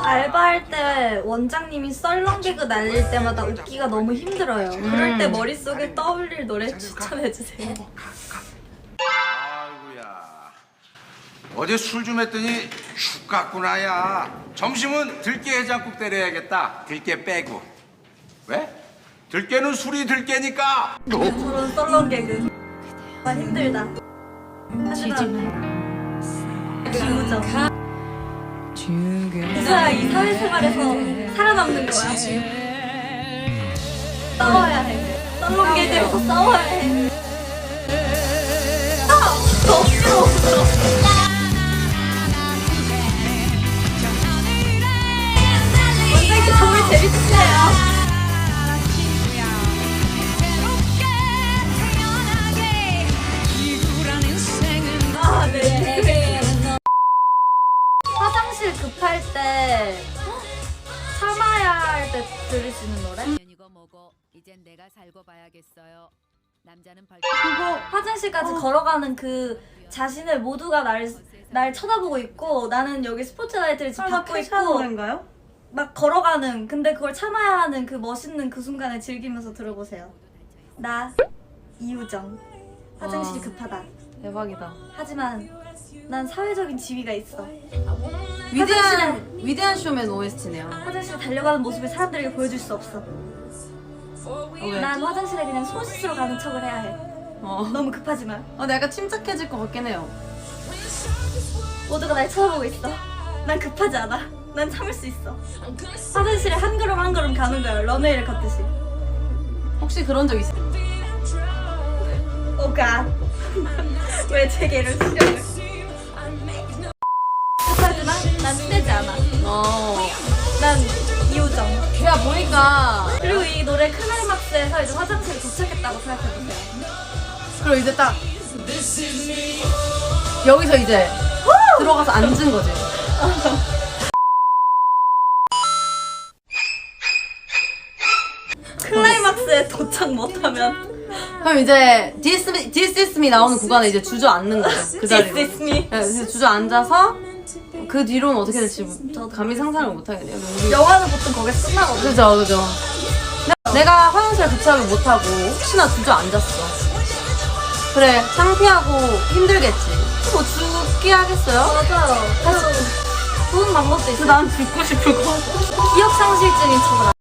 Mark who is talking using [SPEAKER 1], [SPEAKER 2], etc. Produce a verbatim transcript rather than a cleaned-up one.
[SPEAKER 1] 알바할 때 원장님이 썰렁 개그 날릴 때마다 웃기가 너무 힘들어요.
[SPEAKER 2] 음.
[SPEAKER 1] 그럴 때 머릿속에 떠올릴 노래 추천해주세요.
[SPEAKER 3] 아이고야. 어제 술 좀 했더니 죽 같구나 야. 점심은 들깨 해장국 때려야겠다. 들깨 빼고. 왜? 들깨는 술이 들깨니까.
[SPEAKER 1] 저런 썰렁 개그 아 힘들다. 하지만 기우정 그래야 이 사회생활에서 살아남는 거야. 싸워야 해. 썰렁 개그에서 싸워야 해. 아! 너무 싫어. 원장님 정말 재밌으세요. 아, 네. 화장실 급할 때 참아야 할 때 들을 수 있는 노래?
[SPEAKER 4] 이거 뭐고 이젠 내가 살고 봐야겠어요. 남자는 벌
[SPEAKER 1] 그리고 화장실까지 걸어가는 그 자신을 모두가 날, 날 쳐다보고 있고 나는 여기 스포트라이트를 지금 받고 있고
[SPEAKER 2] 노래인가요?
[SPEAKER 1] 막 걸어가는 근데 그걸 참아야 하는 그 멋있는 그 순간을 즐기면서 들어보세요. 나 이우정 화장실이
[SPEAKER 2] 와.
[SPEAKER 1] 급하다.
[SPEAKER 2] 대박이다.
[SPEAKER 1] 하지만 난 사회적인 지위가 있어.
[SPEAKER 2] 위대한 위대한 쇼맨 오에스티네요.
[SPEAKER 1] 화장실에 달려가는 모습을 사람들에게 보여줄 수 없어.
[SPEAKER 2] 어, 왜?
[SPEAKER 1] 난 화장실에 그냥 손 씻으러 가는 척을 해야 해.
[SPEAKER 2] 어.
[SPEAKER 1] 너무 급하지만
[SPEAKER 2] 어, 근데 약간 침착해질 것 같긴 해요.
[SPEAKER 1] 모두가 날 쳐다보고 있어. 난 급하지 않아. 난 참을 수 있어. 화장실에 한 걸음 한 걸음 가는 거야. 런웨이를 걷듯이.
[SPEAKER 2] 혹시 그런 적 있어요?
[SPEAKER 1] 오 갓. 왜 제게를 싫어해? 급하지만 난 떼지 않아.
[SPEAKER 2] 어.
[SPEAKER 1] 난 이우정.
[SPEAKER 2] 제가 보니까
[SPEAKER 1] 그리고 이 노래 클라이막스에서 이제 화장실에 도착했다고 생각해보세요.
[SPEAKER 2] 그리고 이제 딱 여기서 이제 들어가서 앉은 거지.
[SPEAKER 1] 클라이막스에 도착 못하면
[SPEAKER 2] 그럼 이제 This, This is me 나오는 구간에 이제 주저앉는 거죠. 그 자리로.
[SPEAKER 1] This is me.
[SPEAKER 2] 네, 그래서 주저앉아서 그 뒤로는 어떻게 될지 감히 상상을 못 하겠네요. 우리-
[SPEAKER 1] 영화는 보통 거기서 끝나거든.
[SPEAKER 2] 그죠, 그죠. 내가 화장실에 도착을 못하고 혹시나 주저앉았어. 그래, 창피하고 힘들겠지. 뭐 죽게 하겠어요?
[SPEAKER 1] 맞아요. 그래서 좋은 방법도
[SPEAKER 2] 그래서
[SPEAKER 1] 있어.
[SPEAKER 2] 난 죽고 싶을 것 같아.
[SPEAKER 1] 기억상실증인 척을